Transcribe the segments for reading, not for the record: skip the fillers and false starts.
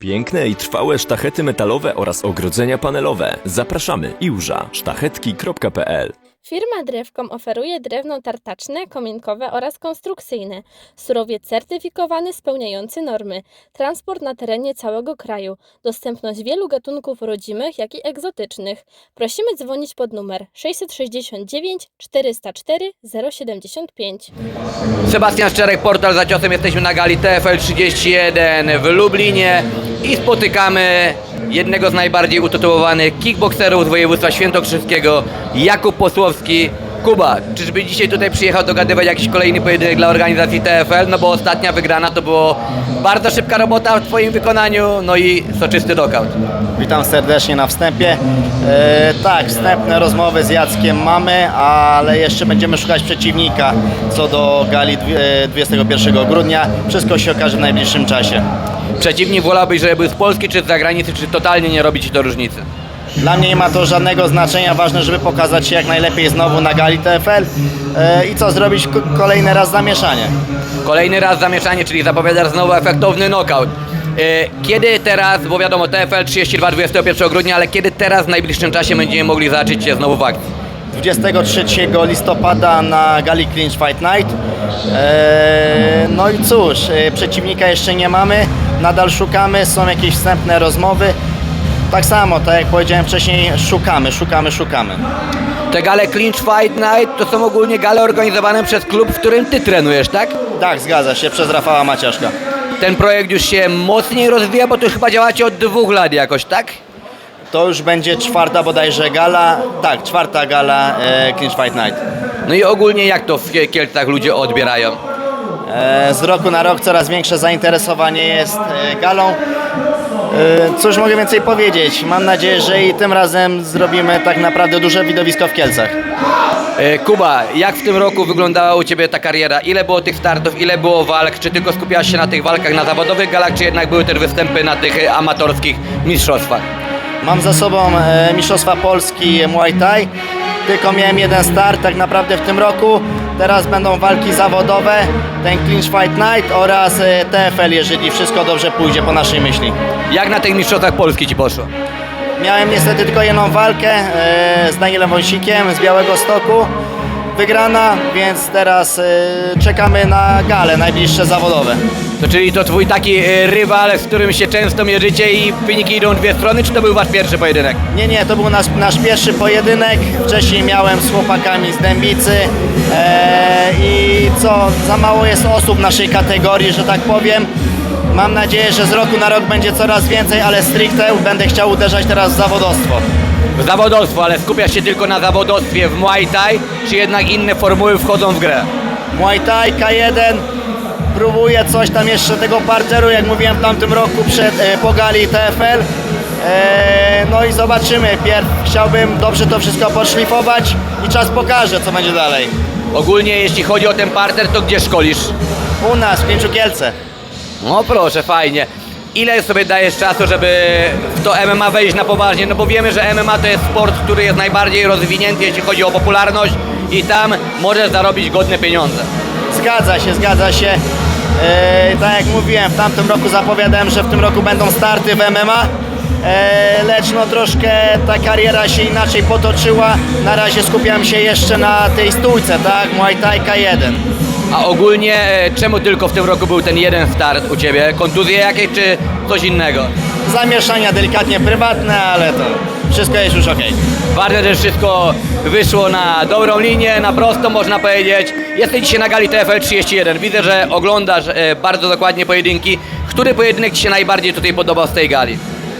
Piękne i trwałe sztachety metalowe oraz ogrodzenia panelowe. Zapraszamy iłża sztachetki.pl. Firma Drewkom oferuje drewno tartaczne, kominkowe oraz konstrukcyjne. Surowiec certyfikowany spełniający normy. Transport na terenie całego kraju. Dostępność wielu gatunków rodzimych, jak i egzotycznych. Prosimy dzwonić pod numer 669 404 075. Sebastian Szczerek, Portal za ciosem. Jesteśmy na gali TFL 31 w Lublinie i spotykamy jednego z najbardziej utytułowanych kickbokserów z województwa świętokrzyskiego, Jakub Posłowski. Kuba, czyżby dzisiaj tutaj przyjechał dogadywać jakiś kolejny pojedynek dla organizacji TFL? No bo ostatnia wygrana to było bardzo szybka robota w twoim wykonaniu, no i soczysty knockout. Witam serdecznie na wstępie. Tak, wstępne rozmowy z Jackiem mamy, ale jeszcze będziemy szukać przeciwnika co do gali 21 grudnia. Wszystko się okaże w najbliższym czasie. Przeciwnik wolałbyś, żeby był z Polski czy z zagranicy, czy totalnie nie robi ci to różnicy? Dla mnie nie ma to żadnego znaczenia, ważne, żeby pokazać się jak najlepiej znowu na gali TFL i co, zrobić kolejny raz zamieszanie. Kolejny raz zamieszanie, czyli zapowiadasz znowu efektowny knockout. Kiedy teraz, bo wiadomo TFL 32 21 grudnia, ale kiedy teraz w najbliższym czasie będziemy mogli zobaczyć Cię znowu w akcji? 23 listopada na gali Clinch Fight Night. No i cóż, przeciwnika jeszcze nie mamy, nadal szukamy, są jakieś wstępne rozmowy. Tak samo, tak jak powiedziałem wcześniej, szukamy. Te gale Clinch Fight Night to są ogólnie gale organizowane przez klub, w którym Ty trenujesz, tak? Tak, zgadza się, przez Rafała Maciaszka. Ten projekt już się mocniej rozwija, bo to już chyba działacie od 2 lat jakoś, tak? To już będzie czwarta bodajże gala, tak, czwarta gala Clinch Fight Night. No i ogólnie jak to w Kielcach ludzie odbierają? Z roku na rok coraz większe zainteresowanie jest galą. Cóż mogę więcej powiedzieć? Mam nadzieję, że i tym razem zrobimy tak naprawdę duże widowisko w Kielcach. Kuba, jak w tym roku wyglądała u Ciebie ta kariera? Ile było tych startów, ile było walk? Czy tylko skupiałaś się na tych walkach na zawodowych galach, czy jednak były też występy na tych amatorskich mistrzostwach? Mam za sobą Mistrzostwa Polski Muay Thai. Tylko miałem jeden start tak naprawdę w tym roku. Teraz będą walki zawodowe, ten Clinch Fight Night oraz TFL, jeżeli wszystko dobrze pójdzie po naszej myśli. Jak na tych mistrzostwach Polski Ci poszło? Miałem niestety tylko jedną walkę z Danielem Wąsikiem z Białegostoku. Wygrana, więc teraz czekamy na gale najbliższe zawodowe. To czyli to Twój taki rywal, z którym się często mierzycie i wyniki idą w dwie strony, czy to był Wasz pierwszy pojedynek? Nie, to był nasz pierwszy pojedynek. Wcześniej miałem z chłopakami z Dębicy i co, za mało jest osób w naszej kategorii, że tak powiem. Mam nadzieję, że z roku na rok będzie coraz więcej, ale stricte będę chciał uderzać teraz w zawodowstwo. Zawodowstwo, ale skupiasz się tylko na zawodowstwie w Muay Thai, czy jednak inne formuły wchodzą w grę? Muay Thai, K1, próbuję coś tam jeszcze tego parteru, jak mówiłem w tamtym roku po gali TFL. No i zobaczymy, chciałbym dobrze to wszystko podszlifować i czas pokaże, co będzie dalej. Ogólnie jeśli chodzi o ten parter, to gdzie szkolisz? U nas, w Pięciu Kielce. No proszę, fajnie. Ile sobie dajesz czasu, żeby w to MMA wejść na poważnie? No bo wiemy, że MMA to jest sport, który jest najbardziej rozwinięty, jeśli chodzi o popularność i tam możesz zarobić godne pieniądze. Zgadza się. Tak jak mówiłem, w tamtym roku zapowiadałem, że w tym roku będą starty w MMA, lecz no troszkę ta kariera się inaczej potoczyła. Na razie skupiam się jeszcze na tej stójce, tak? Muay Thai K1. A ogólnie czemu tylko w tym roku był ten jeden start u Ciebie? Kontuzje jakieś czy coś innego? Zamieszania delikatnie prywatne, ale to wszystko jest już okej. Ważne, że wszystko wyszło na dobrą linię, na prostą można powiedzieć. Jesteś dzisiaj na gali TFL 31. Widzę, że oglądasz bardzo dokładnie pojedynki. Który pojedynek Ci się najbardziej tutaj podobał z tej gali?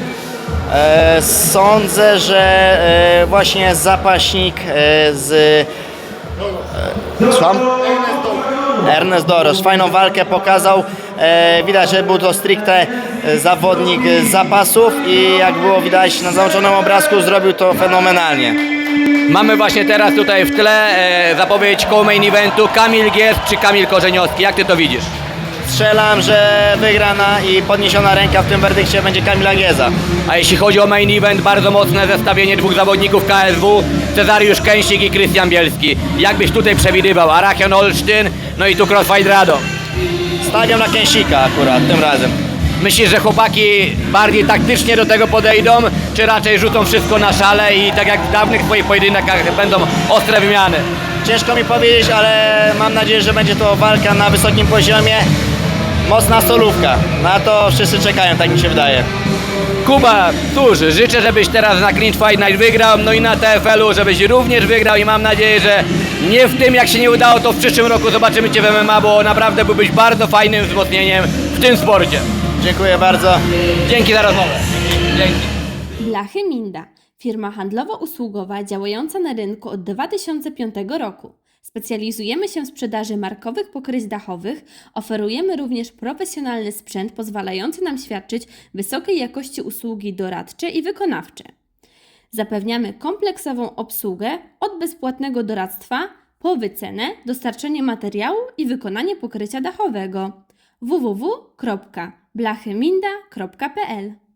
Sądzę, że właśnie zapaśnik z... Słucham? Ernest Doros fajną walkę pokazał. Widać, że był to stricte zawodnik z zapasów i jak było widać na załączonym obrazku, zrobił to fenomenalnie. Mamy właśnie teraz tutaj w tle zapowiedź co-main eventu Kamil Gies czy Kamil Korzeniowski. Jak Ty to widzisz? Strzelam, że wygrana i podniesiona ręka w tym werdykcie będzie Kamila Gieza. A jeśli chodzi o main event, bardzo mocne zestawienie dwóch zawodników KSW, Cezariusz Kęsik i Krystian Bielski. Jak byś tutaj przewidywał? Arachion Olsztyn, no i tu Crossfight Radom. Stawiam na Kęsika akurat tym razem. Myślisz, że chłopaki bardziej taktycznie do tego podejdą, czy raczej rzucą wszystko na szale i tak jak w dawnych swoich pojedynkach będą ostre wymiany? Ciężko mi powiedzieć, ale mam nadzieję, że będzie to walka na wysokim poziomie. Mocna solówka. Na to wszyscy czekają, tak mi się wydaje. Kuba, cóż, życzę, żebyś teraz na Clinch Fight Night wygrał, no i na TFL-u, żebyś również wygrał i mam nadzieję, że nie w tym, jak się nie udało, to w przyszłym roku zobaczymy Cię w MMA, bo naprawdę byłbyś bardzo fajnym wzmocnieniem w tym sporcie. Dziękuję bardzo. Dzięki za rozmowę. Dzięki. Blachy Minda, firma handlowo-usługowa działająca na rynku od 2005 roku. Specjalizujemy się w sprzedaży markowych pokryć dachowych, oferujemy również profesjonalny sprzęt pozwalający nam świadczyć wysokiej jakości usługi doradcze i wykonawcze. Zapewniamy kompleksową obsługę od bezpłatnego doradztwa po wycenę, dostarczenie materiału i wykonanie pokrycia dachowego. www.blachyminda.pl